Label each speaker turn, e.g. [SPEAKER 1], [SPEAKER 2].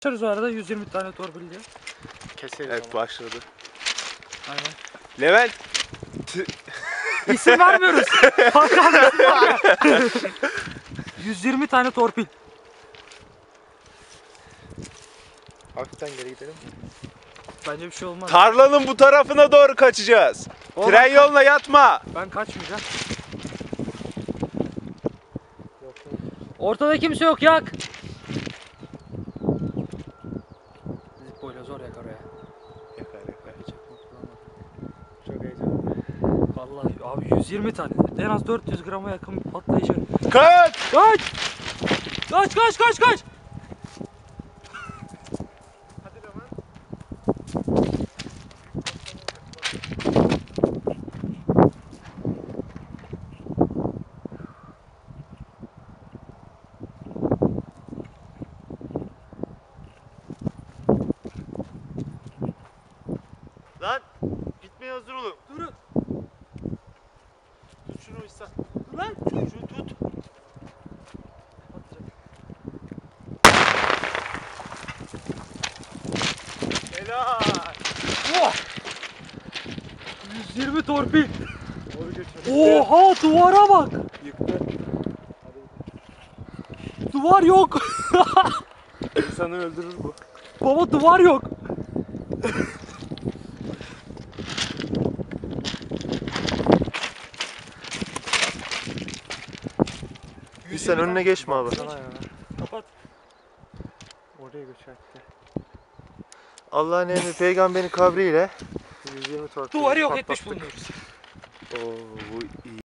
[SPEAKER 1] Başlarız o arada 120 tane torpil diye.
[SPEAKER 2] Keseriz
[SPEAKER 3] Evet
[SPEAKER 2] ama.
[SPEAKER 3] başladı.
[SPEAKER 1] Aynen.
[SPEAKER 3] Levent.
[SPEAKER 1] İsim vermiyoruz. Hakan isim vermiyor. 120 tane torpil.
[SPEAKER 2] Hafiften geri gidelim.
[SPEAKER 1] Bence bir şey olmaz.
[SPEAKER 3] Tarlanın bu tarafına doğru kaçacağız.
[SPEAKER 1] Oğlum,
[SPEAKER 3] Tren yoluna yatma.
[SPEAKER 1] Ben kaçmayacağım.
[SPEAKER 2] Yok.
[SPEAKER 1] Ortada kimse yok, yak. Zippoyla zor yakar ya.
[SPEAKER 3] Yakar yakar.
[SPEAKER 2] Çok heyecanlı.
[SPEAKER 1] Vallahi abi 120 tane. En az 400 grama yakın bir patlayıcı.
[SPEAKER 3] Kaç.
[SPEAKER 1] Kaç! Kaç kaç kaç kaç!
[SPEAKER 2] Hadi Leman. Lan gitmeye hazır olun.
[SPEAKER 1] Durun.
[SPEAKER 2] Tut şunu İhsan.
[SPEAKER 1] Dur lan.
[SPEAKER 2] Şunu tut. Helal.
[SPEAKER 1] Oh! 120 torpil.
[SPEAKER 2] Doğru götür.
[SPEAKER 1] Oha, duvara bak.
[SPEAKER 2] Yıktı.
[SPEAKER 1] Duvar yok.
[SPEAKER 2] İnsanı öldürür bu.
[SPEAKER 1] Baba duvar yok.
[SPEAKER 2] İhsan önüne geçme abi.
[SPEAKER 1] Kapat.
[SPEAKER 2] Oraya göçertti.
[SPEAKER 3] Allah'ın emri peygamberin kabriyle.
[SPEAKER 2] 120 torpil.
[SPEAKER 1] Duvarı yok etmiş
[SPEAKER 2] patlattık.
[SPEAKER 1] bulunuyoruz.
[SPEAKER 3] Oo, bu iyi.